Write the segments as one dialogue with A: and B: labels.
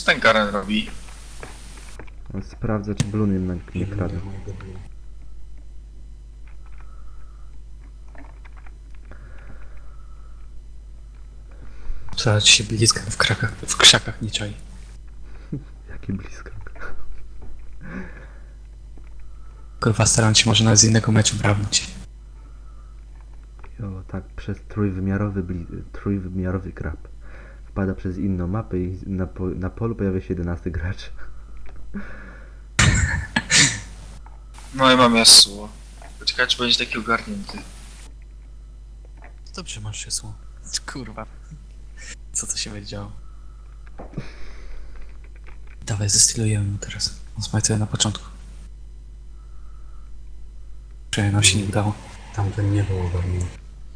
A: Co ten Garen robi?
B: Sprawdzę, czy Blun jednak nie kradnie.
C: Trzeba ci się bliska w krzakach nie czai.
B: Jaki blisko.
C: Kurwa, staram się może nawet z innego meczu brałnić.
B: Jo, tak, przez trójwymiarowy krab. Wpada przez inną mapę i na polu pojawia się 11 gracz.
A: No i mam Yasuo. Poczekaj, czy będzie taki ogarnięty.
C: Dobrze masz krzesło. Kurwa. Co to się będzie działo? Dawaj, zestylujemy mu teraz. On smajtuje na początku. Przynajmniej nam się nie udało.
D: Tamten nie był ogarnięty.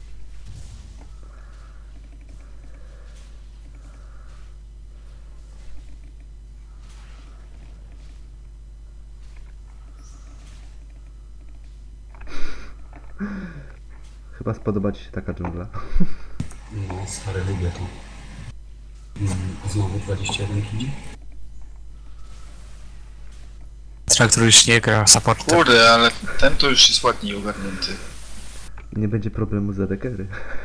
B: Chyba spodoba ci się taka dżungla.
D: No, stary, lubię to. Znowu 21 kg.
C: Traktor już nie gra supportem.
A: Kurde, ale ten to już jest ładniej ogarnięty.
B: Nie będzie problemu za dekery.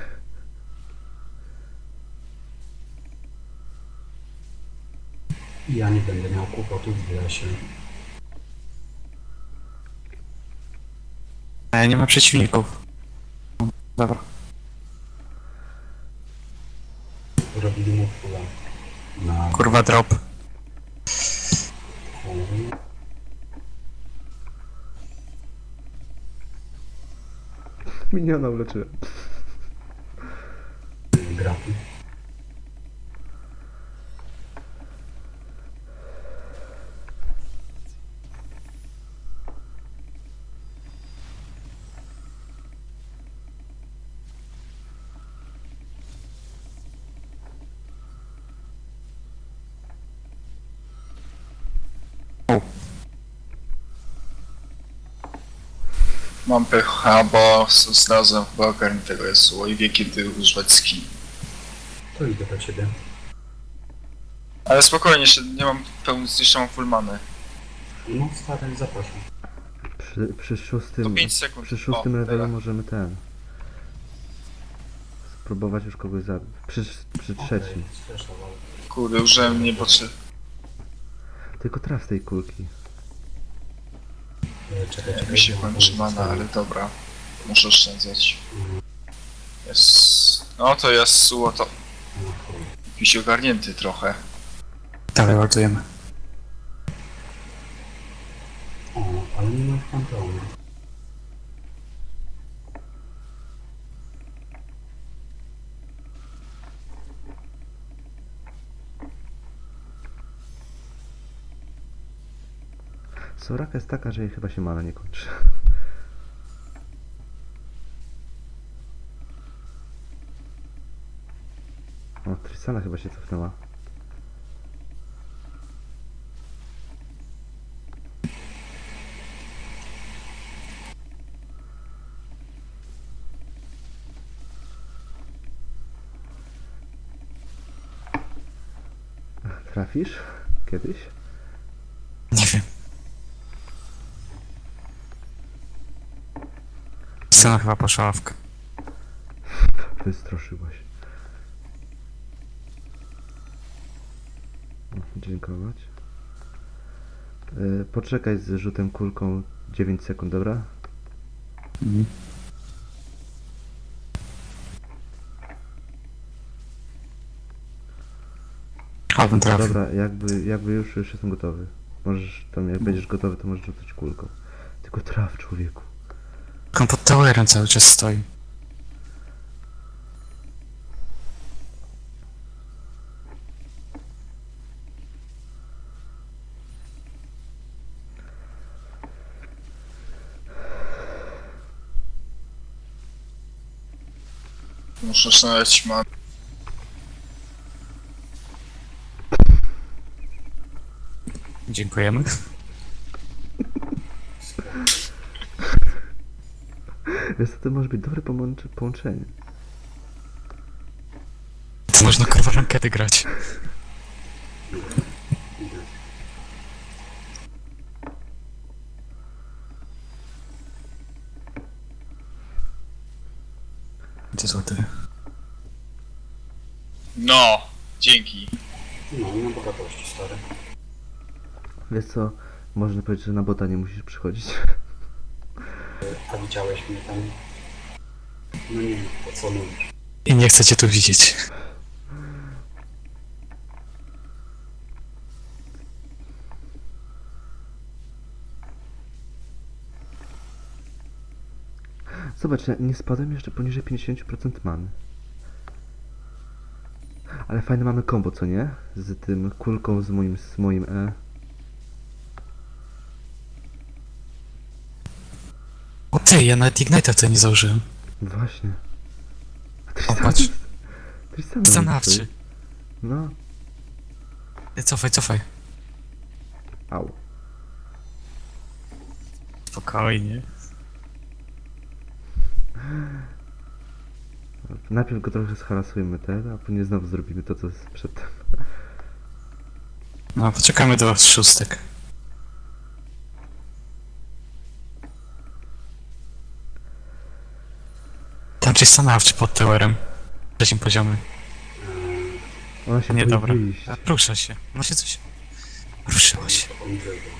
D: I ja nie będę miał kłopotów w lesie.
C: Nie ma przeciwników. Dobra.
D: Robili mu pula na
C: Kurwa, drop.
D: chory.
B: Miniona uleczyłem.
D: Grafy.
A: Mam pecha, bo znalazłem chyba ogarniętego Yasuo i wie kiedy używać skin.
D: To idę do ciebie.
A: Ale spokojnie, jeszcze nie mam jeszcze mam full manę.
D: No, stary, zapraszam.
B: Przy
A: To
B: szóstym,
A: 5 sekund.
B: przy szóstym
A: O,
B: levelu
A: teraz.
B: możemy spróbować już kogoś zabić. Przy trzecim.
D: Sfreszował.
A: Kurde, użyłem niepotrzebnie.
B: Tylko traf tej kulki.
D: Czekaj,
A: Mi się
D: bo mam
A: kończy mana,
D: zostawię.
A: ale dobra. Muszę oszczędzać.
D: Mhm.
A: No to Yasuo to
D: No, chuj.
A: jakiś ogarnięty trochę.
C: Dalej ładujemy.
D: O, ale nie ma panteonu.
B: Soraka jest taka, że jej chyba się mana nie kończy. O, Tristana chyba się cofnęła. Trafisz? Kiedyś?
C: Nie wiem. Scena chyba poszła w
B: Wystraszyłaś. O, dziękować. Poczekaj z rzutem kulką 9 sekund, dobra?
C: Mhm. Albo trafił.
B: Dobra, jakby już jestem gotowy. Możesz tam, jak będziesz gotowy, to możesz rzucać kulką. Tylko traf, człowieku.
C: On pod towerem cały czas stoi.
A: Muszę znaleźć manę.
C: Dziękujemy.
B: Wiesz co, to może być dobre połączenie.
C: To można kurwa rankedy grać. złoty.
A: No, dzięki.
D: No, nie ma bogatości, stary.
B: Wiesz co, można powiedzieć, że na bota nie musisz przychodzić.
D: A widziałeś mnie tam? No nie, po co mówisz?
C: I nie chcę cię tu widzieć.
B: Zobacz, ja nie spadłem jeszcze poniżej 50% many. Ale fajne mamy combo, co nie? Z tym kulką, z moim E.
C: O ty, ja nawet Ignite'a to nie założyłem.
B: Właśnie.
C: O, patrz.
B: Tristana
C: Stanowczy.
B: No,
C: Cofaj, cofaj.
B: au.
C: Spokojnie.
B: Najpierw go trochę zharasujemy a później znowu zrobimy to, co jest przedtem.
C: No, poczekamy do szóstek. Tam gdzieś stanowczy pod towerem. Trzecim poziomie.
B: Ona się
C: Nie,
B: boi
C: dobra.
B: wyjść.
C: Rusza się. No się coś... Ruszyło się.
D: Poniżej go.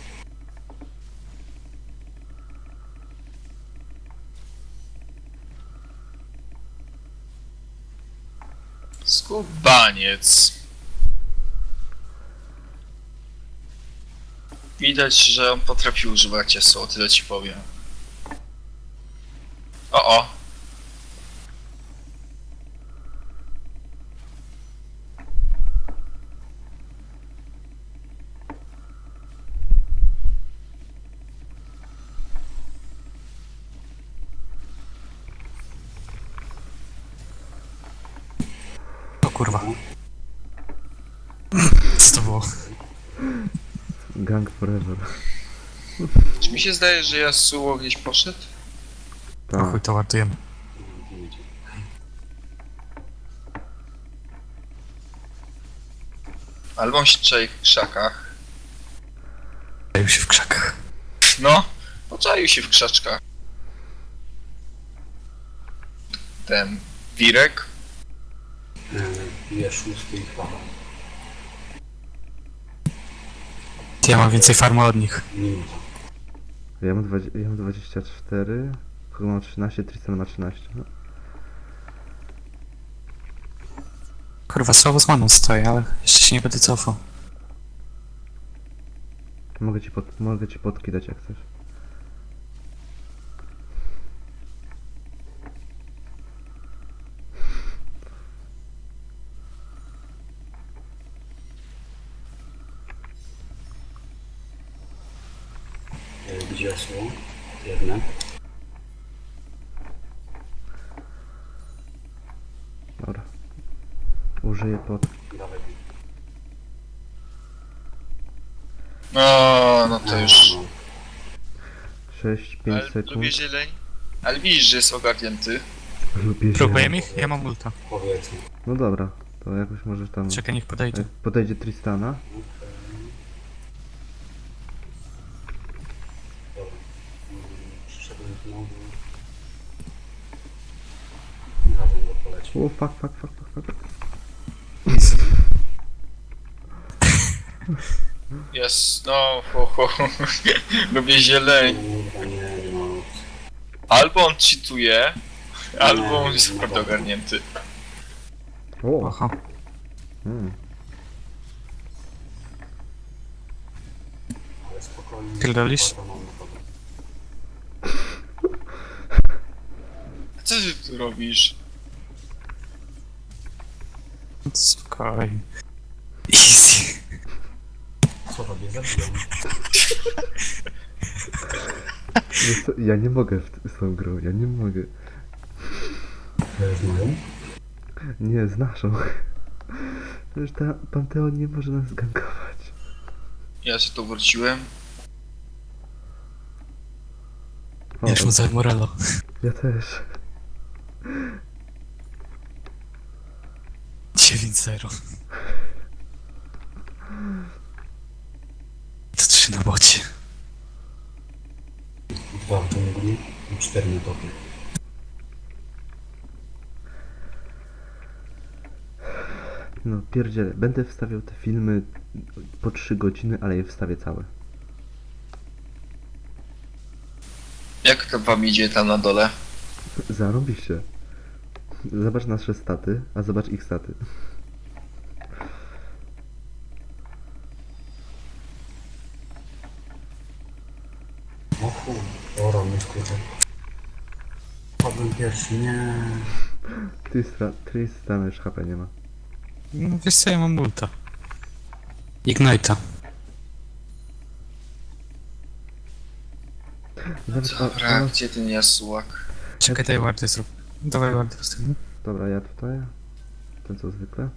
A: Skubaniec. Widać, że on potrafi używać ciesu, tyle ci powiem. O.
C: O kurwa. Co to było?
B: Gang forever.
A: Czy mi się zdaje, że Yasuo gdzieś poszedł?
C: O chuj,
B: Tak.
C: to ładujemy.
D: Nie idzie.
A: Albo on się czai w krzakach.
C: Zajął się w krzakach.
A: No, poczaił się w krzaczkach. Ten Wirek.
D: Bije szósty i chwała.
C: Ja mam więcej farmy od nich.
D: Minuta.
B: Ja mam 24, Kogo mam 13, Tristan ma 13. No.
C: Kurwa, słabo z maną stoję, ale jeszcze się nie będę cofał.
B: Mogę ci potki dać jak chcesz.
D: Gdzie są? Jedne.
B: Dobra. Użyję potki.
D: Dawaj.
A: No to już.
B: 6, 5
A: Ale
B: sekund.
A: lubię zieleń. Ale widzisz, że jest ogarnięty.
B: Lubię
C: Próbujemy ich? Ja mam ulta.
D: Powiedzmy.
B: No dobra, to jakoś możesz tam...
C: Czekaj, niech podejdzie.
B: Jak podejdzie Tristana.
D: Dobra. Przyszedłem znowu. Razem go poleci.
B: O, fuck.
A: Jest, no, lubię zieleń.
D: Kurwa, nie no.
A: Albo on cheatuje, albo on jest naprawdę ogarnięty.
B: O!
C: Oho.
B: Hmm.
D: Ale spokojnie.
C: Pierdolisz?
D: Kurwa, mam na tobie.
A: Co ty tu robisz?
C: Spokojnie. Easy.
D: Co robię? Zabiłem.
B: Wiesz co, ja nie mogę z tą grą, ja nie mogę.
D: Z moją?
B: Nie, z naszą. Przecież ta Panteon nie może nas gankować.
A: Ja się tu wróciłem.
B: O,
C: Już mu za Morello.
B: ja też.
C: 9-0. To 3 na bocie.
D: 2 w dżungli i 4 na topie.
B: No pierdzielę, będę wstawiał te filmy po 3 godziny, ale je wstawię całe.
A: Jak to wam idzie tam na dole?
B: Zarobiście. Zobacz nasze staty, a zobacz ich staty.
D: O chuj. O, rany skórę. Padłem pierwszy, nie.
B: Tristana już HP nie ma.
C: No wiesz co, ja mam multa. Ignite'a.
A: Dobra, gdzie ten Yasuak?
C: Czekaj, daj wardy zrób. Dawaj wardy postawimy.
B: Dobra, ja tutaj. Ten co zwykle.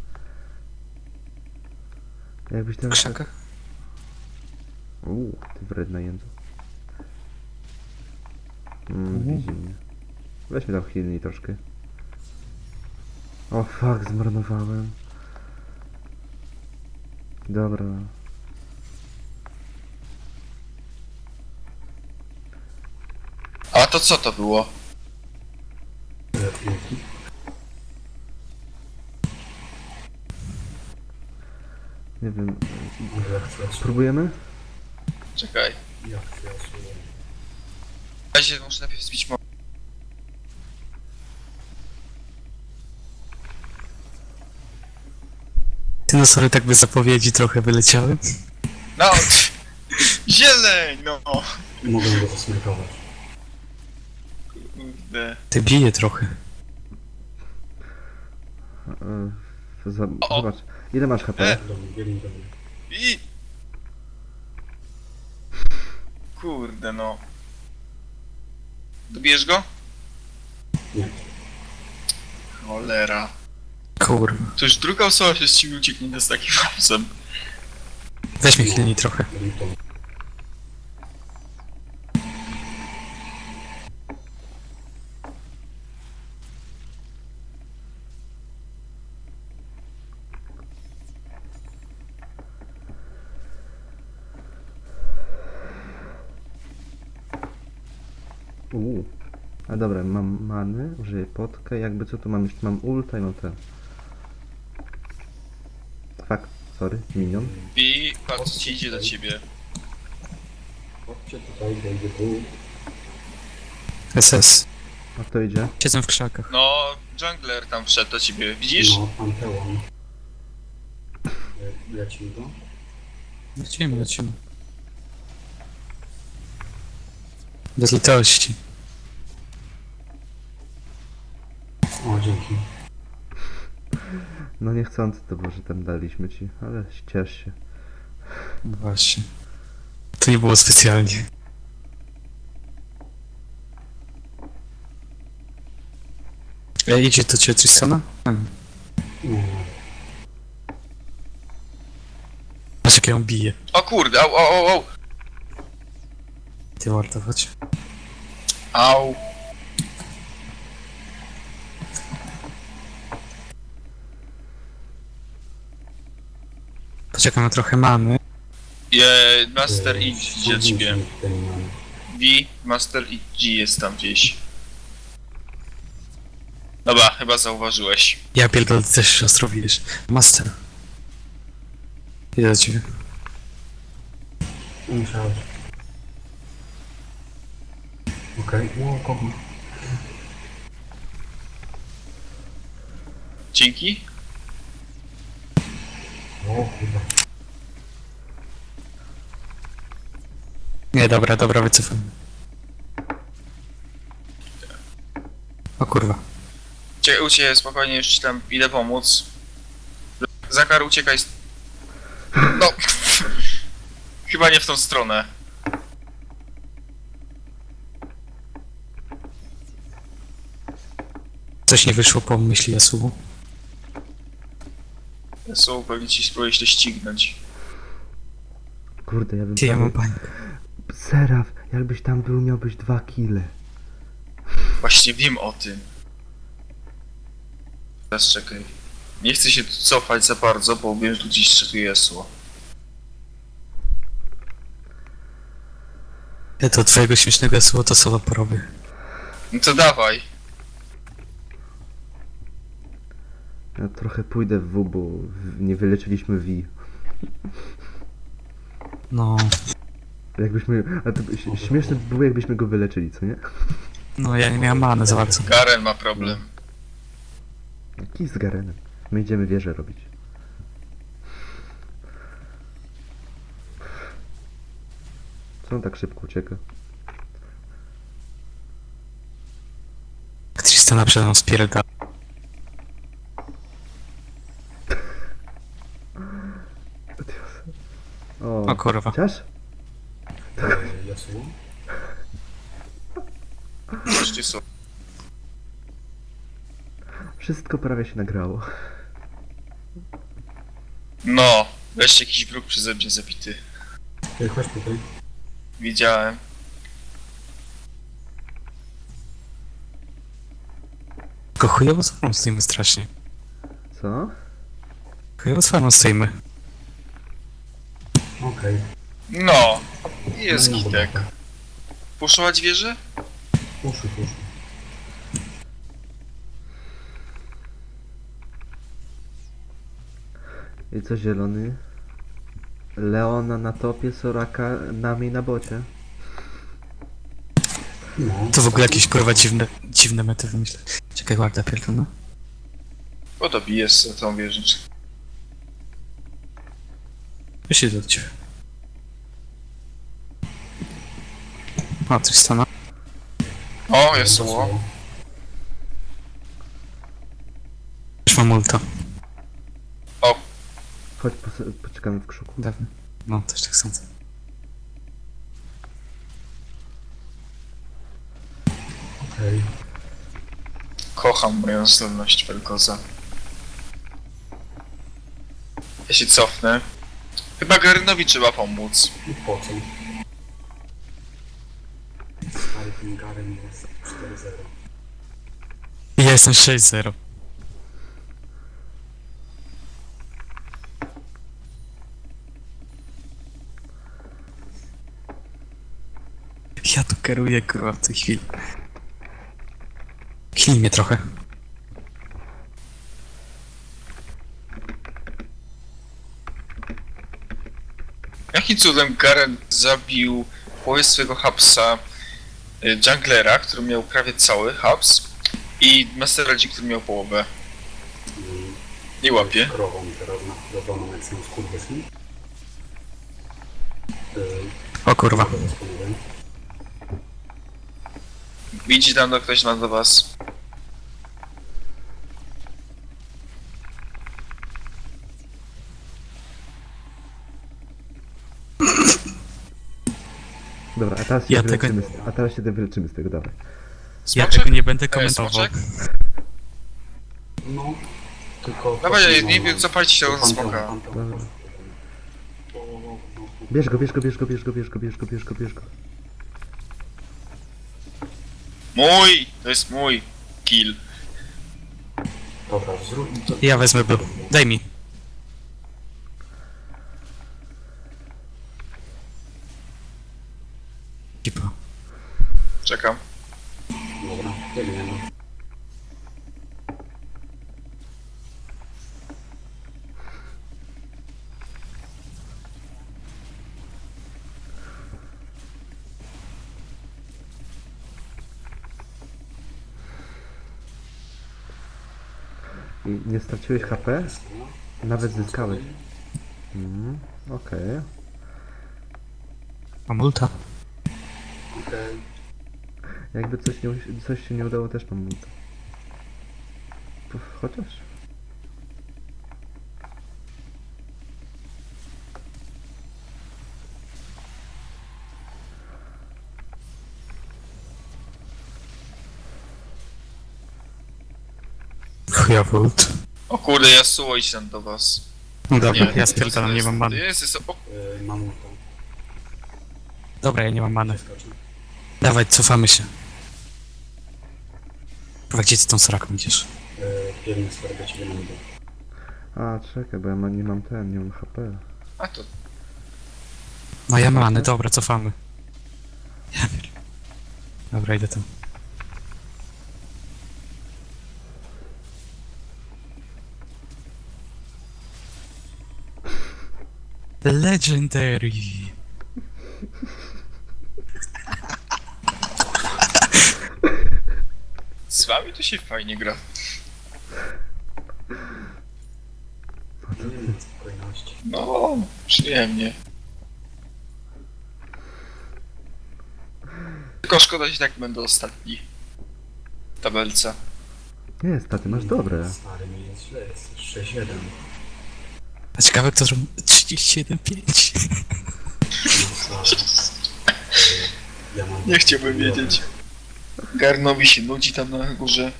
B: Jakbyś
C: W
B: ten...
C: krzakach.
B: Ty wredna jędzo. Widzi mnie. Weźmy tam healnij troszkę. O fuck, zmarnowałem. Dobra.
A: A to co to było?
D: Lepiej.
B: Nie wiem.
D: Może jak chcesz.
B: Spróbujemy?
A: Czekaj.
D: Jak chcesz.
A: W razie muszę najpierw zbić mo...
C: Ty no sorry, tak bez zapowiedzi trochę wyleciały.
A: No! Zieleń, no!
D: Mogę go zasmykować.
A: Kurde.
C: Ty bije trochę.
A: O!
B: Zobacz. Ile masz HP?
D: Do mnie, biegnij do mnie.
A: I... Kurde, no. Dobijesz go?
D: Nie.
A: Cholera.
C: Kurwa.
A: To już druga osoba się z ciebie ucieknie z takim hapsem.
C: Weź mi chwilniej trochę.
D: Lipton.
B: A dobra, mam many, użyję potkę, jakby co tu mam jeszcze, mam ulta i mam ten. Fuck, sorry, minion.
A: I patrz, ci idzie do ciebie.
D: Chodźcie tutaj, wejdzie tu.
C: SS.
B: A kto idzie?
C: Siedzę w krzakach.
A: No, jungler tam wszedł do ciebie, widzisz?
D: No, Panteon. Lecimy go.
C: Lecimy. Bez litości.
D: O, dzięki.
B: No niechcący to było, że tam daliśmy ci, ale ciesz się.
C: No właśnie. To nie było specjalnie. Idzie do ciebie Tristana?
D: Nie.
C: Patrz jak ją bije.
A: O kurde, au.
C: Ty warto, chodź.
A: Au.
C: Poczekam na trochę mamy.
A: Master idzie do ciebie. V, Master G jest tam gdzieś. Dobra, chyba zauważyłeś.
C: Ja pierdolę, ty też ostro widzisz. Master. Idę do ciebie.
D: Musiałeś. Okej, o, kogo?
A: Dzięki.
D: O, chyba.
C: Nie, dobra, wycofam. O kurwa.
A: Uciekaj, spokojnie, już ci tam idę pomóc. Zakar, uciekaj. No. Chyba nie w tą stronę.
C: Coś nie wyszło po myśli Yasuo.
A: Są pewnie ci spróbujesz to ścignąć.
B: Kurde, ja bym...
C: Ty, ja mam
B: prawie-
C: panikę.
B: Seraf, jakbyś tam był, miałbyś 2 kile.
A: Właśnie wiem o tym. Teraz czekaj. Nie chcę się tu cofać za bardzo, bo wiem, że tu gdzieś czekuje Yasuo.
C: Ja to twojego śmiesznego Yasuo to słowa porobię.
A: No to dawaj.
B: Ja trochę pójdę w W, bo nie wyleczyliśmy V.
C: No,
B: Jakbyśmy... A to śmieszne by było, jakbyśmy go wyleczyli, co nie?
C: no ja nie miałem many za bardzo.
A: Garen ma problem.
B: Jaki z Garenem? My idziemy wieżę robić. Co on tak szybko ucieka?
C: Tristana przed mną spierda. O kurwa.
B: Chociaż?
D: Yasuo?
A: Wreszcie są.
B: Wszystko prawie się nagrało.
A: No, wreszcie jakiś wróg przeze mnie zabity.
D: Ej, chodź tutaj.
A: Widziałem.
C: Tylko chujowo z farmą stoimy strasznie.
B: Co?
C: Chujowo z farmą stoimy.
D: Okej.
A: No, jest
D: No,
A: gitek.
D: dobra.
A: Puszować wieżę?
D: Puszy.
B: I co zielony? Leona na topie, Soraka nami na bocie.
D: No.
C: To w ogóle jakieś kurwa dziwne mety wymyślę. Czekaj, warda pierdolę.
A: Bo to bijesz za tą wieżę.
C: Wyślij do ciebie. O, Tristana.
A: O, Yasuo.
C: Już mam ulta.
B: Chodź, poczekamy w krzuku.
C: Dawno. No, też tak sądzę.
D: Okej.
A: Kocham moją zdolność Vel'Koza. Ja się cofnę. Chyba Garenowi trzeba pomóc.
D: I po co? Stary ten Garen jest 4-0.
C: Ja jestem 6-0. Ja tu kieruję kurwa w tej chwili. Chnij mnie trochę.
A: Jakim cudem Garen zabił połowę swojego hubsa junglera, który miał prawie cały hubs i Master Radzi, który miał połowę. Nie łapie.
D: Krową teraz naprowadzoną jak są skurwysy.
C: O kurwa.
A: Widzi tam ktoś do was.
B: Dobra, a teraz się
C: Ja
B: wyleczymy,
C: tego-
B: a teraz się wyleczymy z tego, dawaj.
C: Ja
A: Smoczek?
C: tego nie będę komentował.
A: Smoczek?
D: No. Tylko...
A: Dawaj, nie wiem, zapalić tego
D: Panteon,
A: smoka.
D: Panteon.
B: Dobra. Bierz go, bierz go, bierz go, bierz go, bierz go, bierz go, bierz go, bierz go.
A: Mój! To jest mój kill.
D: Dobra, zrób to.
C: Ja wezmę blue. Daj mi. Kipa.
A: Czekam.
D: Dobra, biegniemy.
B: I nie straciłeś HP? Nawet zyskałeś. Okej.
C: Mam ulta.
D: Okej.
B: Jakby coś się nie udało, też mam multa. Chociaż.
C: Chujowy ult.
A: O kurde, Yasuo idź tam do was.
C: No dobra,
A: Nie,
C: ja spierdalam, nie mam many.
A: Jest, o,
D: Mam ulta.
C: Dobra, ja nie mam many.
D: Skoczę.
C: Dawaj, cofamy się. Kurwa, gdzie ty tą Soraką idziesz?
D: Biegnę z do ciebie na mnie.
B: A, czekaj, bo ja nie mam nie mam HP.
A: a to
C: No ja mam many, dobra, cofamy. Ja pier... Dobra, idę tam. Legendary.
A: Z wami to się fajnie gra.
D: Nie ma spokojności.
A: No, przyjemnie. Tylko szkoda, że i tak będę ostatni. W tabelce.
B: Nie, staty masz dobre.
D: Stary, mi jest źle, jest 6-1.
C: A ciekawe, kto zrobił 37,5.
D: No, stary. Ja mam
A: Nie chciałbym wiedzieć. Garnowi się nudzi tam na górze.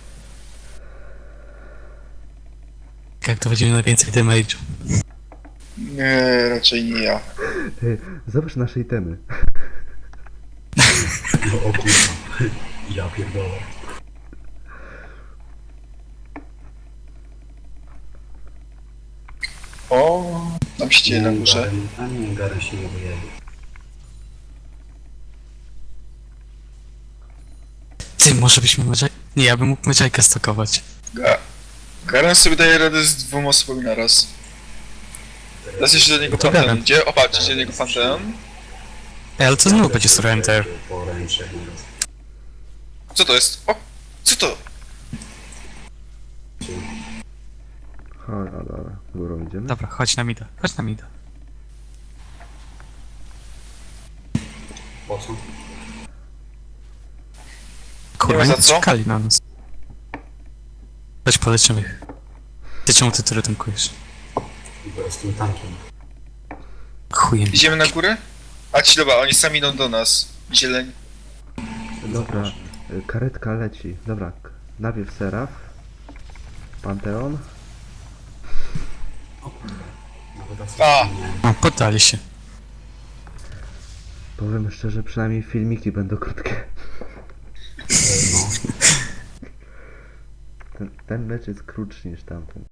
C: Jak to będziemy na więcej damage'u.
A: Nie, raczej nie ja.
B: Ty, zobacz nasze itemy.
D: No, o kurwa. Ja pierdolę.
A: O, tam się dzieje na górze.
D: A nie, Garen się nie wyjedzie.
C: Ty, może byśmy Medjay... Nie, ja bym mógł Medjaykę stokować.
A: Garen sobie daje radę z 2 osobami naraz. Teraz jeszcze do niego
C: No to
A: Panteon
C: Garen.
A: idzie. O, patrz, idzie do niego Panteon.
C: Ej, ale to znów będzie Surrender.
D: Poręczek nieraz.
A: Co to jest? O, co to?
B: Chodź, no dobra, górą idziemy.
C: Dobra, chodź na mida. Chodź na mida.
D: Po co?
C: Kurwa,
A: za
C: nie
A: co?
C: czekali na nas. Chodź, poleczymy ich. Ty czemu ty tyle tankujesz?
D: Bo jestem tankiem.
C: Chujem.
A: Idziemy na górę? A ci dobra, oni sami idą do nas. Zieleń.
B: Dobra, karetka leci. Dobra, najpierw Seraf. Panteon.
D: O kurwa. Nawet
A: A.
D: nie.
C: No, poddali się.
B: Powiem szczerze, przynajmniej filmiki będą krótkie.
D: No.
B: Ten mecz jest krótszy niż tamten.